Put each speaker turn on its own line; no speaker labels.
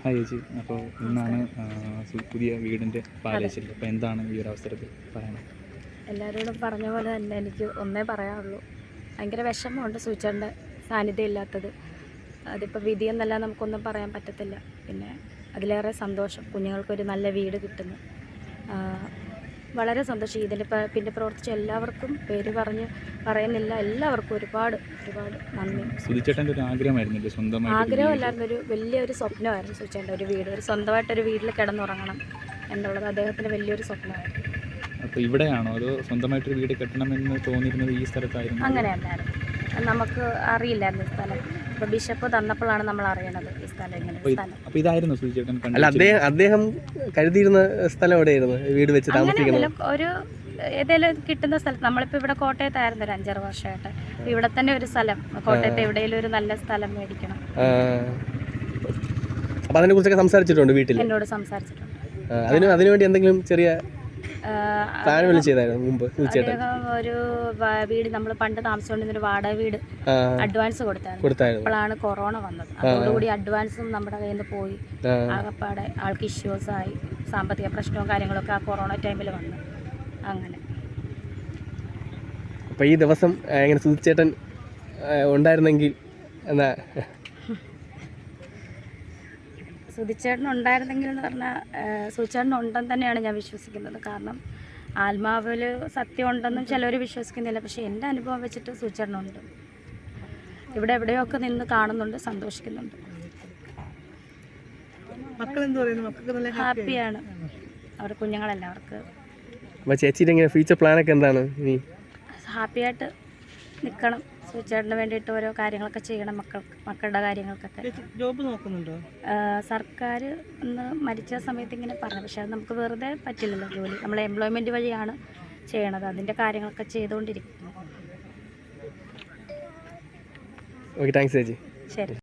Hi ചേച്ചി, അപ്പോൾ ഇന്നാണ് പുതിയ വീടിൻ്റെ പാലേശ്ശേരി. അപ്പോൾ എന്താണ് ഈ ഒരു അവസരത്തിൽ പറയണം?
എല്ലാവരോടും പറഞ്ഞ പോലെ തന്നെ എനിക്ക് ഒന്നേ പറയാനുള്ളൂ. ഭയങ്കര വിഷമമുണ്ട് സൂചിച്ചേട്ടൻ്റെ സാന്നിധ്യം ഇല്ലാത്തത്. അതിപ്പോൾ വിധിയെന്നല്ല, നമുക്കൊന്നും പറയാൻ പറ്റത്തില്ല. പിന്നെ അതിലേറെ സന്തോഷം കുഞ്ഞുങ്ങൾക്കൊരു നല്ല വീട് കിട്ടുന്നു. വളരെ സന്തോഷം. ഇതിന് പിന്നെ പ്രവർത്തിച്ച എല്ലാവർക്കും പേര് പറയുന്നില്ല. എല്ലാവർക്കും ഒരുപാട് ഒരുപാട് നന്ദി.
സുധിച്ചേട്ടൻ്റെ ഒരു ആഗ്രഹമായിരുന്നു, സ്വന്തമായി
ആഗ്രഹമല്ലായിരുന്നു, ഒരു വലിയൊരു സ്വപ്നമായിരുന്നു സുധിച്ചേട്ടൻ്റെ ഒരു വീട്, ഒരു സ്വന്തമായിട്ടൊരു വീട്ടിൽ കിടന്നുറങ്ങണം എന്നുള്ളത് അദ്ദേഹത്തിൻ്റെ വലിയൊരു സ്വപ്നമായിരുന്നു.
അപ്പോൾ ഇവിടെയാണോ അതോ സ്വന്തമായിട്ടൊരു വീട് കെട്ടണമെന്ന് തോന്നിയിരുന്നത് ഈ സ്ഥലത്തായിരുന്നു?
അങ്ങനെയല്ലായിരുന്നു, നമുക്ക് അറിയില്ലായിരുന്നു ഈ സ്ഥലം. ഇപ്പോൾ ബിഷപ്പ് തന്നപ്പോഴാണ് നമ്മൾ അറിയണത് ഈ സ്ഥലം ഇങ്ങനെ.
അപ്പോൾ ഇതായിരുന്നു സുധിച്ചേട്ടൻ?
അല്ല, അദ്ദേഹം കരുതിയിരുന്ന സ്ഥലം എവിടെയായിരുന്നു വീട് വെച്ച് താമസിക്കുന്നത്?
ഒരു ഏതെങ്കിലും കിട്ടുന്ന സ്ഥലത്ത്. നമ്മളിപ്പോൾ ഇവിടെ കോട്ടയത്തായിരുന്നു ഒരു 5-6 വർഷമായിട്ട്. ഇവിടെ തന്നെ ഒരു സ്ഥലം, കോട്ടയത്ത് എവിടെയെങ്കിലും ഒരു നല്ല സ്ഥലം മേടിക്കണം.
അപ്പോൾ അതിനെ കുറിച്ചൊക്കെ സംസാരിച്ചിട്ടുണ്ട് വീട്ടിൽ?
എന്നോട് സംസാരിച്ചിട്ടുണ്ട്.
അതിനുവേണ്ടി എന്തെങ്കിലും ചെറിയ മുമ്പ്
ഒരു വീട് നമ്മൾ പണ്ട് താമസിച്ചുകൊണ്ടിരുന്നൊരു വാടക വീട് അഡ്വാൻസ് കൊടുത്തായിരുന്നു. അപ്പോഴാണ് കൊറോണ വന്നത്. അതോടുകൂടി അഡ്വാൻസും നമ്മുടെ കയ്യിൽ നിന്ന് പോയി. ആകപ്പാടെ ആൾക്ക് ഇഷ്യൂസ് ആയി, സാമ്പത്തിക പ്രശ്നവും കാര്യങ്ങളൊക്കെ ആ കൊറോണ ടൈമിൽ വന്നു. അങ്ങനെ
അപ്പോൾ ഈ ദിവസം എങ്ങനെ സുധിച്ചേട്ടൻ ഉണ്ടായിരുന്നെങ്കിൽ എന്നാ?
സുധിച്ചേട്ടൻ ഉണ്ടായിരുന്നെങ്കിൽ എന്ന് പറഞ്ഞാൽ സുധിച്ചേട്ടൻ ഉണ്ടെന്ന് തന്നെയാണ് ഞാൻ വിശ്വസിക്കുന്നത്. കാരണം ആത്മാവിൽ സത്യം ഉണ്ടെന്നും ചിലർ വിശ്വസിക്കുന്നില്ല. പക്ഷേ എൻ്റെ അനുഭവം വെച്ചിട്ട് സുധിച്ചേട്ടനുണ്ട്. ഇവിടെ എവിടെയൊക്കെ നിന്ന് കാണുന്നുണ്ട്, സന്തോഷിക്കുന്നുണ്ട്. ഹാപ്പിയാണ് അവർ, കുഞ്ഞുങ്ങളെല്ലാവർക്ക്.
ചേച്ചിയുടെ ഇങ്ങനെ ഫ്യൂച്ചർ പ്ലാനൊക്കെ എന്താണ്?
ഹാപ്പിയായിട്ട് നിൽക്കണം, സുധിച്ചേട്ടന് വേണ്ടിയിട്ട് ഓരോ കാര്യങ്ങളൊക്കെ ചെയ്യണം. മക്കളുടെ കാര്യങ്ങൾക്കൊക്കെ.
ജോബ് നോക്കുന്നുണ്ടോ?
സർക്കാർ ഒന്ന് മരിച്ച സമയത്ത് ഇങ്ങനെ പറഞ്ഞു, പക്ഷെ അത് നമുക്ക് വെറുതെ പറ്റില്ലല്ലോ ജോലി. നമ്മൾ എംപ്ലോയ്മെൻറ്റ് വഴിയാണ് ചെയ്യണത്. അതിൻ്റെ കാര്യങ്ങളൊക്കെ ചെയ്തുകൊണ്ടിരിക്കുന്നു.
ഓക്കെ, താങ്ക്സ് ചേച്ചി.
ശരി.